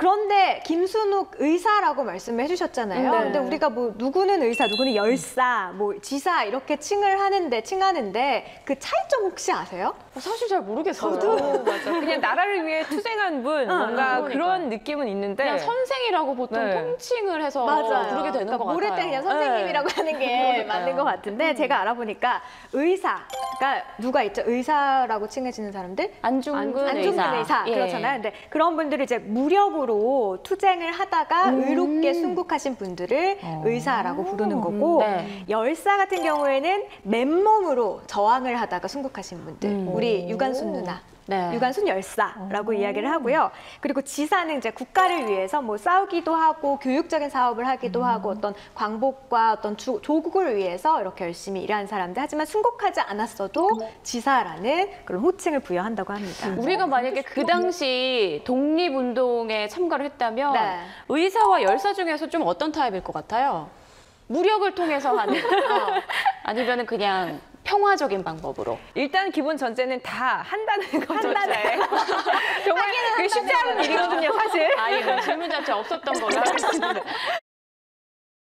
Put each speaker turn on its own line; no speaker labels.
그런데 김순욱 의사라고 말씀을 해주셨잖아요.
네.
근데 우리가 뭐 누구는 의사, 누구는 열사, 뭐 지사 이렇게 칭하는데 그 차이점 혹시 아세요?
사실 잘 모르겠어요.
저도 맞아. 그냥 나라를 위해 투쟁한 분 뭔가
그러니까요.
그런 느낌은 있는데
그냥 선생이라고 보통
네.
통칭을 해서
맞아요.
부르게 되는
그러니까
것
모를
같아요.
때 그냥 선생님이라고 하는 게
그러니까요.
맞는 것 같은데 제가 알아보니까 의사가 누가 있죠? 의사라고 칭해지는 사람들?
안중근
의사.
예.
그렇잖아요. 근데 그런 분들이 이제 무력으로 투쟁을 하다가 의롭게 순국하신 분들을 의사라고 부르는 거고
네.
열사 같은 경우에는 맨몸으로 저항을 하다가 순국하신 분들. 우리 유관순 누나.
네.
유관순 열사라고 이야기를 하고요. 그리고 지사는 이제 국가를 위해서 뭐 싸우기도 하고 교육적인 사업을 하기도 하고 어떤 광복과 어떤 조국을 위해서 이렇게 열심히 일하는 사람들. 하지만 순국하지 않았어도 지사라는 그런 호칭을 부여한다고 합니다.
우리가 만약에 그 당시 독립운동에 참가를 했다면
네.
의사와 열사 중에서 좀 어떤 타입일 것 같아요? 무력을 통해서 하는 아니면은 그냥 평화적인 방법으로.
일단 기본 전제는 다 한다는 거죠. 정말 그게 쉽지 않은 일이거든요, 사실.
아예 질문 자체 없었던 걸로 하겠습니다.